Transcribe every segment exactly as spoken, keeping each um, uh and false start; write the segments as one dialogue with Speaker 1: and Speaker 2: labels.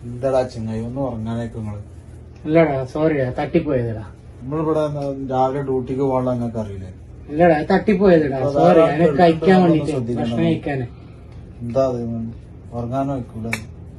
Speaker 1: എന്താടാ ചെങ്ങായി ഒന്ന് ഉറങ്ങാനേക്ക് നിങ്ങള്?
Speaker 2: ഇല്ലടാ സോറിയാ തട്ടിപ്പോയതടാ.
Speaker 1: നമ്മളിവിടെ രാവിലെ ഡ്യൂട്ടിക്ക് പോകാനുള്ള നിങ്ങൾക്ക് അറിയില്ലേ?
Speaker 2: ഇല്ലടാ തട്ടിപ്പോയതടാ സോറി. എനിക്ക് കഴിക്കാൻ വേണ്ടിട്ട് ഭക്ഷണം കഴിക്കാന്.
Speaker 1: എന്താ അത് ഉറങ്ങാനോ വെക്കൂല?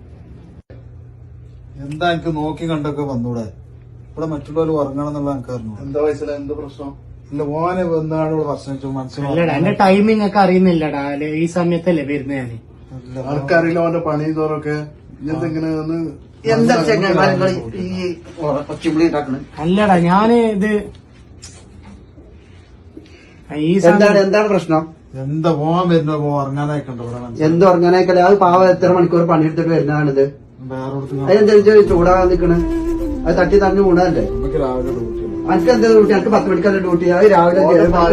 Speaker 1: എന്താ എനിക്ക് നോക്കി കണ്ടൊക്കെ വന്നൂടെ? ഇവിടെ മറ്റുള്ളവർ ഉറങ്ങണം എന്നുള്ള എനിക്ക് അറിഞ്ഞു. എന്താ വയസ്സില എന്താ പ്രശ്നം? ഇല്ല ഓനെ വന്നാണ് ഇവിടെ പ്രശ്നം മനസ്സിലായി.
Speaker 2: എന്റെ ടൈമിംഗ് ഒക്കെ അറിയുന്നില്ലടാ. ഈ സമയത്തല്ലേ വരുന്ന ഞാന്.
Speaker 1: ആൾക്കറിയില്ല അവന്റെ പണി തോറൊക്കെ എന്തെങ്ങനെ
Speaker 3: എന്താ ഈ കൊച്ചുമ്പളി ഉണ്ടാക്കണേ?
Speaker 2: അല്ലടാ ഞാന് ഇത് ഈ
Speaker 3: എന്താണ് എന്താണ് പ്രശ്നം?
Speaker 1: എന്താ പോവാൻ വരുന്ന ഉറങ്ങാനായിക്കണ്ടോ?
Speaker 3: എന്ത് ഉറങ്ങാനായിക്കല്ലേ? അത് പാവ എത്ര മണിക്കൂർ പണിയെടുത്തിട്ട് വരുന്നതാണിത്.
Speaker 1: വേറെ
Speaker 3: അതെന്താ ചൂടാകാൻ നിക്കണ്? അത് തട്ടി തറഞ്ഞു കൂടാല്ലേ?
Speaker 1: നമുക്ക് രാവിലെ ഡ്യൂട്ടി.
Speaker 3: എനിക്ക് എന്താ ഡ്യൂട്ടി? എനിക്ക് പത്ത് മണിക്കല്ല ഡ്യൂട്ടി. അത് രാവിലെ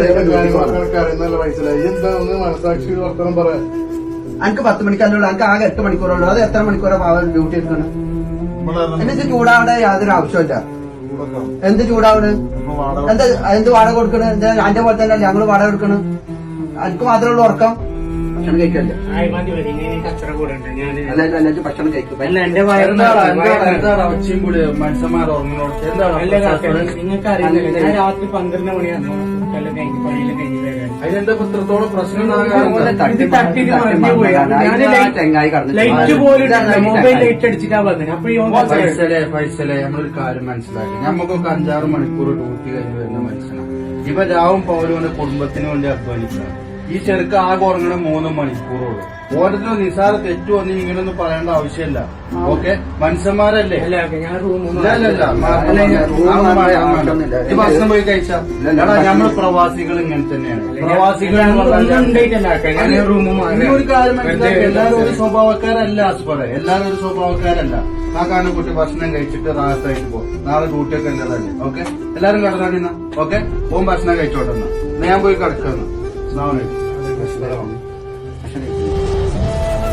Speaker 1: മനസാക്ഷി വർത്തനം പറയാം.
Speaker 3: എനിക്ക് പത്ത് മണിക്കല്ലുള്ളൂ. എനിക്ക് ആകെ എട്ട് മണിക്കൂറുള്ളൂ. അത് എത്ര മണിക്കൂറാ പാവ ഡ്യൂട്ടി എടുക്കണം? എന്നിട്ട് ചൂടാവണ യാതൊരു ആവശ്യമില്ല. എന്ത് ചൂടാവണ്? എന്താ എന്ത് വാടക കൊടുക്കണ്? എന്താ അന്റെ പോലെ തന്നെ ഞങ്ങള് വാടക കൊടുക്കണ്? എനിക്ക് മാത്രമേ ഉള്ളൂ ഉറക്കം. ഭക്ഷണം കഴിക്കല്ലേ?
Speaker 2: കച്ചറ കൂടെ ഉണ്ട്. ഞാന്
Speaker 3: അല്ല അല്ല ഭക്ഷണം കഴിക്കും.
Speaker 2: അല്ല എന്റെ
Speaker 1: മനുഷ്യന്മാർ ഉറങ്ങിനോട്ട്
Speaker 2: നിങ്ങൾക്ക് അറിയില്ല. ഞാൻ രാത്രി പന്ത്രണ്ട് മണിയാണ് എല്ലാം കഴിഞ്ഞ് പണിയെല്ലാം കഴിഞ്ഞ് വരാൻ.
Speaker 1: അതിനെന്താ പത്രത്തോളം പ്രശ്നം?
Speaker 2: ലൈറ്റ് പോലും മൊബൈൽ ലൈറ്റ് അടിച്ചിട്ടാ വന്നത്. അപ്പൊ
Speaker 4: പൈസലെ പൈസലെ നമ്മളൊരു കാര്യം മനസ്സിലാക്കി. നമുക്കൊക്കെ അഞ്ചാറ് മണിക്കൂർ ഡ്യൂട്ടി കഴിഞ്ഞ് വരുന്ന മനുഷ്യനാണ്. ഇവ രാവും പൗരവന്റെ കുടുംബത്തിന് വേണ്ടി അധ്വാനിക്കണം. ഈ ചെറുക്ക് ആകെ ഉറങ്ങണ മൂന്ന് മണിക്കൂറുള്ളൂ. ഓരോരുത്തരും നിസാര തെറ്റു വന്ന് ഇങ്ങനൊന്നും പറയേണ്ട ആവശ്യമില്ല. ഓക്കെ മനുഷ്യന്മാരല്ലേ? ഭക്ഷണം പോയി കഴിച്ചാ നമ്മള് പ്രവാസികൾ ഇങ്ങനെ തന്നെയാണ്. പ്രവാസികൾ ഒരു കാര്യം മനസ്സിലാക്കി. എല്ലാരും ഒരു സ്വഭാവക്കാരല്ല ആസ്പടെ. എല്ലാരും ഒരു സ്വഭാവക്കാരല്ല. ആ കാരണം കുട്ടി ഭക്ഷണം കഴിച്ചിട്ട് റാഹത്തായിട്ട് പോകും. നാളെ ഡ്യൂട്ടിയൊക്കെ ഉള്ളതല്ലേ? ഓക്കെ എല്ലാരും കടന്നാടിന്ന ഓക്കെ പോകും ഭക്ഷണം കഴിച്ചോട്ടെന്നാ ഞാൻ പോയി കിടക്കുന്ന.